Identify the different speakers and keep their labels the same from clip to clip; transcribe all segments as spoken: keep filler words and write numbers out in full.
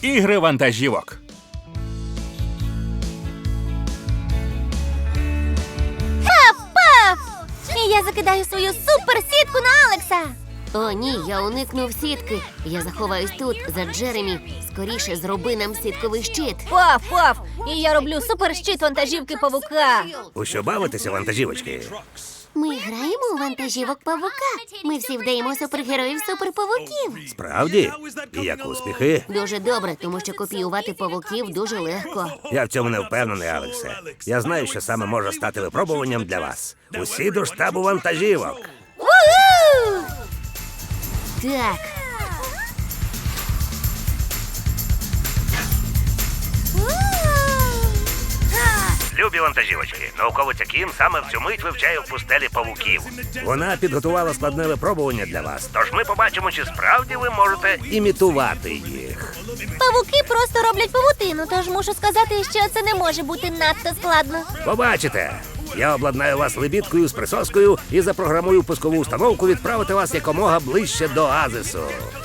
Speaker 1: Ігри вантажівок.
Speaker 2: Паф! І я закидаю свою суперсітку на Алекса.
Speaker 3: О, ні, я уникнув сітки. Я заховаюсь тут, за Джеремі. Скоріше зроби нам сітковий щит.
Speaker 2: Паф, паф! І я роблю суперщит вантажівки павука.
Speaker 4: У що бавитеся, вантажівочки?
Speaker 3: Ми граємо у вантажівок павука. Ми всі вдаємо супергероїв суперпавуків.
Speaker 4: Справді? І як успіхи?
Speaker 3: Дуже добре, тому що копіювати павуків дуже легко.
Speaker 4: Я в цьому не впевнений, Алексе. Я знаю, що саме може стати випробуванням для вас. Усі до штабу вантажівок.
Speaker 2: Ву-ху!
Speaker 3: Так,
Speaker 4: Любі вантажівочки, науковиця Кім саме в цю мить вивчає в пустелі павуків. Вона підготувала складне випробування для вас, тож ми побачимо, чи справді ви можете імітувати їх.
Speaker 2: Павуки просто роблять павутину, тож мушу сказати, що це не може бути надто складно.
Speaker 4: Побачите! Я обладнаю вас лебідкою з присоскою і запрограмую пускову установку відправити вас якомога ближче до оазису.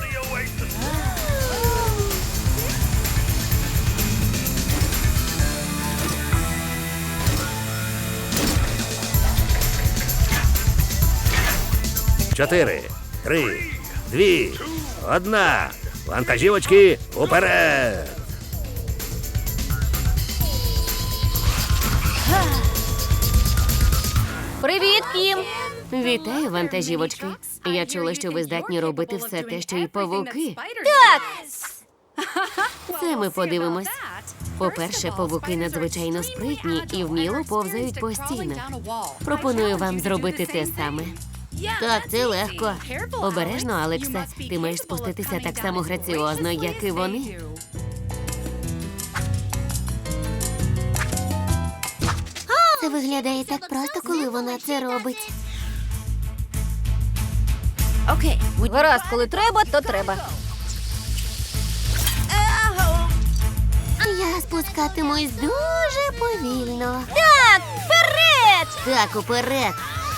Speaker 4: Чотири, три, дві, одна. Вантажівочки, уперед!
Speaker 2: Привіт, Кім!
Speaker 3: вітаю, вантажівочки. Я чула, що ви здатні робити все те, що і павуки.
Speaker 2: Так!
Speaker 3: Це ми подивимось. По-перше, павуки надзвичайно спритні і вміло повзають по стінах. Пропоную вам зробити те саме. Так, це легко. Обережно, Алексе. Ти маєш спуститися так само граціозно, як і вони. Це виглядає так просто, коли вона це робить.
Speaker 2: Гаразд, коли треба, то треба.
Speaker 3: Я спускатимусь дуже повільно.
Speaker 2: Так, вперед!
Speaker 3: Так, уперед.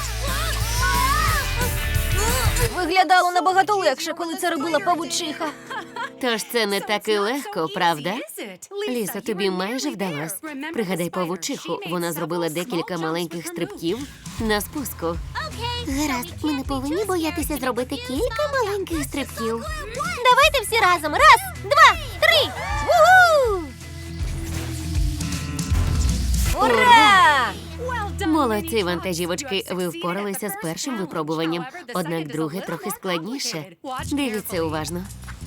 Speaker 2: Виглядало набагато легше, коли це робила павучиха.
Speaker 3: Тож це не так і легко, правда? Лісо, тобі майже вдалось. Пригадай павучиху, вона зробила декілька маленьких стрибків на спуску. Гаразд, ми не повинні боятися зробити кілька маленьких стрибків.
Speaker 2: Давайте всі разом. Раз, два, три. Ву-ху! Ура!
Speaker 3: Молодці, вантажівочки, ви впоралися з першим випробуванням, однак друге трохи складніше. Дивіться уважно.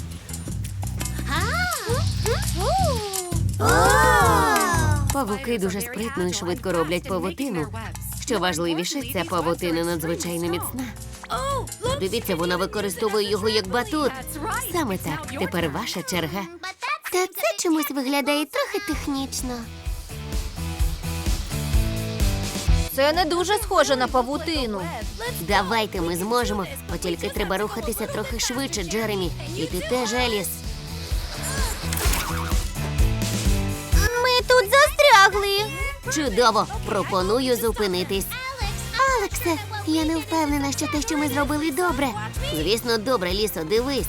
Speaker 3: Павуки дуже спритно і швидко роблять павутину. Що важливіше, ця павутина надзвичайно міцна. Дивіться, вона використовує його як батут. Саме так, тепер ваша черга. Та це чомусь виглядає трохи технічно.
Speaker 2: Це не дуже схоже на павутину.
Speaker 3: Давайте, ми зможемо. От тільки треба рухатися трохи швидше, Джеремі. І ти теж, Еліс.
Speaker 2: Ми тут застрягли.
Speaker 3: Чудово! Пропоную зупинитись. Алексе, я не впевнена, що те, що ми зробили, добре. Звісно, добре, Лісо, дивись.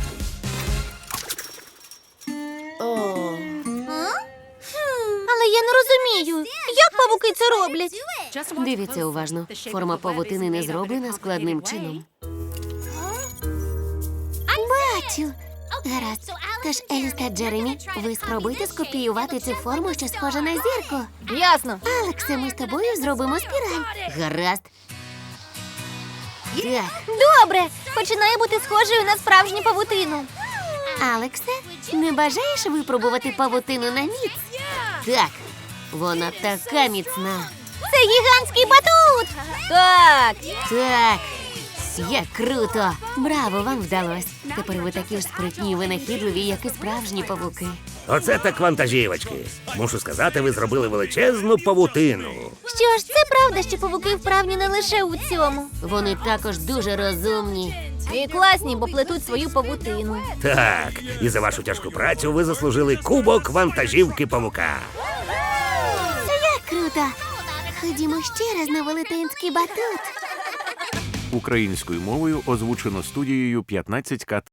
Speaker 2: Але я не розумію, як павуки це роблять.
Speaker 3: Дивіться уважно. Форма павутини не зроблена складним чином. Бачу. Гаразд. Тож, Еліс та Джеремі, ви спробуйте скопіювати цю форму, що схожа на зірку.
Speaker 2: Ясно.
Speaker 3: Алексе, ми з тобою зробимо спіраль. Гаразд. Так.
Speaker 2: Добре, починає бути схожою на справжню павутину.
Speaker 3: Алексе, не бажаєш випробувати павутину на міць? Так. Вона така міцна.
Speaker 2: Це гігантський батут. Так.
Speaker 3: Так. Як круто! Браво, вам вдалося. Тепер ви такі ж спритні і винахідливі, як і справжні павуки.
Speaker 4: Оце так вантажівочки. Мушу сказати, ви зробили величезну павутину.
Speaker 2: Що ж, це правда, що павуки вправні не лише у цьому.
Speaker 3: Вони також дуже розумні.
Speaker 2: І класні, бо плетуть свою павутину.
Speaker 4: Так, і за вашу тяжку працю ви заслужили кубок вантажівки павука.
Speaker 3: Це як круто! Ходімо ще раз на велетенський батут.
Speaker 5: Українською мовою озвучено студією п'ятнадцять К.